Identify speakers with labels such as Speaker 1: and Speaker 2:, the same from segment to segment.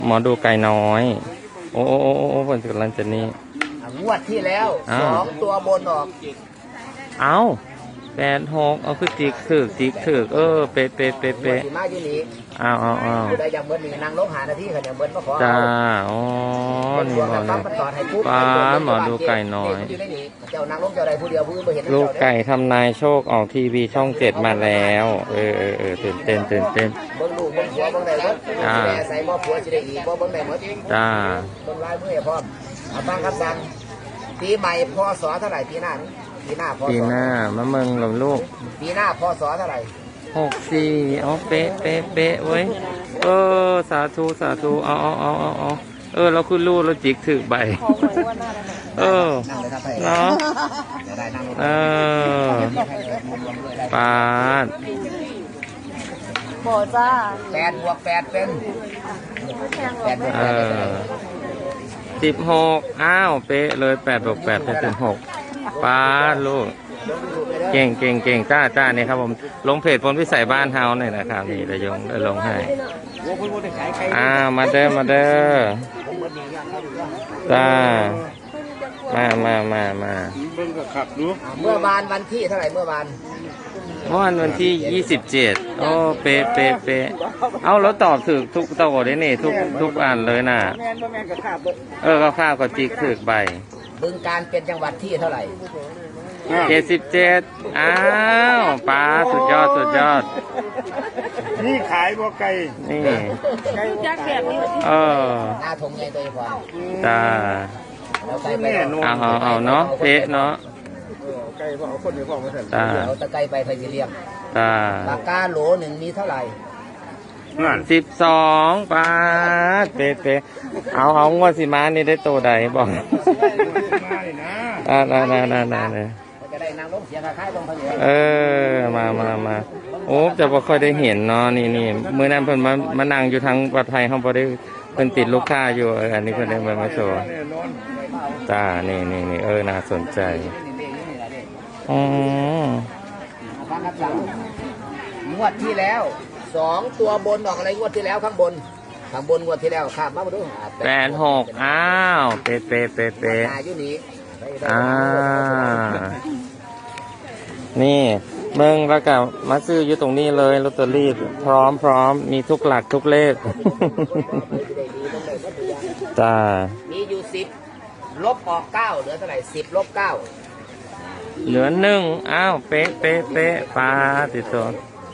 Speaker 1: หมอดูไก่น้อยโอ้โอ้โอ้โอ้ผลกำลังจะนี่
Speaker 2: งวดที่แล้ว2 ตัวบนออก
Speaker 1: เอา86เอาคือจิกถึกเป๊ะ
Speaker 2: มาอยู่นี่
Speaker 1: เอา
Speaker 2: ได้ยังเบิ้ลนี่นางลงหานาทีค่ะเนี่ยเบิ้ลมาขอ
Speaker 1: จ้าอ๋อนี่หมอเลยป้าหมอดูไก่น้อย
Speaker 2: เจ้านางลงเจ้าใดผู้เดียวผู้อื่นไม่เห็น
Speaker 1: ลูกไก่ทำนายโชคออกทีวีช่อง7มาแล้วตื่นเต้น
Speaker 2: เบิ้งลูกเบิ้งผัวเบิ้งไหนเบิ้งแม่ใส่บ่ผัวจะได้อีกบ่เบิ้งไหนหมด
Speaker 1: จ้า
Speaker 2: เบิ้งลายมือพร้อมเอาฟังคำสั่งปีใหม่พศเท่าไหร่ปีหน้า
Speaker 1: ปีหน้ามาเมืองหลงลูก
Speaker 2: ปีหน้าพศเท่าไหร่
Speaker 1: 64อ๋อเป๊ะเว้ยสาธุเราคือลูกเราจิกถือใบเนาะปาด
Speaker 2: บ่จ้า8 บวก 8เป็น
Speaker 1: 16อ้าวเป๊ะเลย8 บวก 8เป็น16ปาดลูกเก่งจ้าเนี่ยครับผมลงเพจพลพิสัยบ้านเฮาหน่อยนะครับนี่ระยงได้ลงให้มาเด้อจ้ามา
Speaker 2: เมื่อวานวันที่เท่าไหร่เมื่อวาน
Speaker 1: วันที่27โอ้เป๊ะเอาแล้วตอบถูกทุกตัวได้นี่ทุกอันเลยน่ะก็ข้าวก็จิกถึกใบ
Speaker 2: บึงการเป็นจังหวัดที่เท่าไหร่
Speaker 1: 77อ้าวป้าสุดยอด
Speaker 3: นี่ขายบ่ไก่
Speaker 1: นี่
Speaker 2: จักแบบนี้หน้าทงใหญ่ตัวพอ
Speaker 1: จ้าเอาเนาะเป๊ะเนาะ
Speaker 3: ไก่บ่เอาคนในพ่อมาสั่น
Speaker 2: เอาตะไคร้ไปไฟเรียมปากกาโหล1มีเท่าไหร่
Speaker 1: 12ป้าเป๊ะเอางวดสิมานี่ได้โตใดบอกน่ามาโอ้จะบ่ค่อยได้เห็นเนาะนี่มื้อนั้นเพิ่นมานั่งอยู่ทางวัดไทยเฮาบ่ได้เพิ่นติดลูกค้าอยู่อันนี้เพิ่นได้มาโชว์จ้านี่น่าสนใจ
Speaker 2: งวดที่แล้ว2 ตัวบนออกอะไรงวดที่แล้วข้างบนงวดที่แล้วข้ามมาดู
Speaker 1: 86อ้าวเป๊ะ
Speaker 2: อยู่นี่
Speaker 1: นี่เมืองแล้วก็มาซื้ออยู่ตรงนี้เลยลอตเตอรี่พร้อมมีทุกหลักทุกเลขจ้า
Speaker 2: มีอยู่10ลบออก9เหลือเท่าไหร่10 ลบ 9
Speaker 1: เหลือ1อ้าวเป๊ะปลาติดตัว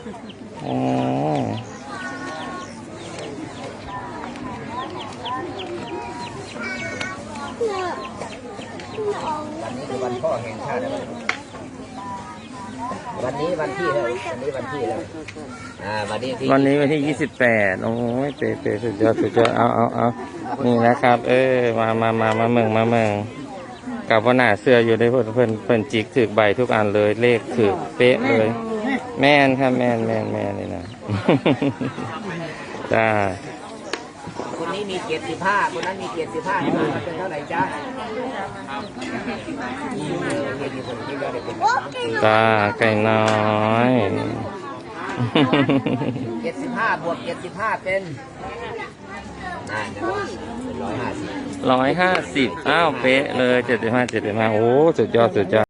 Speaker 2: วันนี้คือวันพ่อแห่งชาติวันนี้วันที่แล้ววันนี้วัน
Speaker 1: ที่28โอ้ยเป๊ะสุดยอดเอานี่นะครับมาเมืองกับว่าหน้าเสื้ออยู่ได้เพิ่นจิกถือใบทุกอันเลยเลขถือเป๊ะเลยแม่นครับแม่นนี่นะจ้า
Speaker 2: คนนี้มี75คนนั้นมี75เป็นเท่าไหร่จ้า
Speaker 1: จ้าไก่น้อย
Speaker 2: 75 บวก 75เป็น150
Speaker 1: อ้าวเป๊ะเลย75โอ้สุดยอด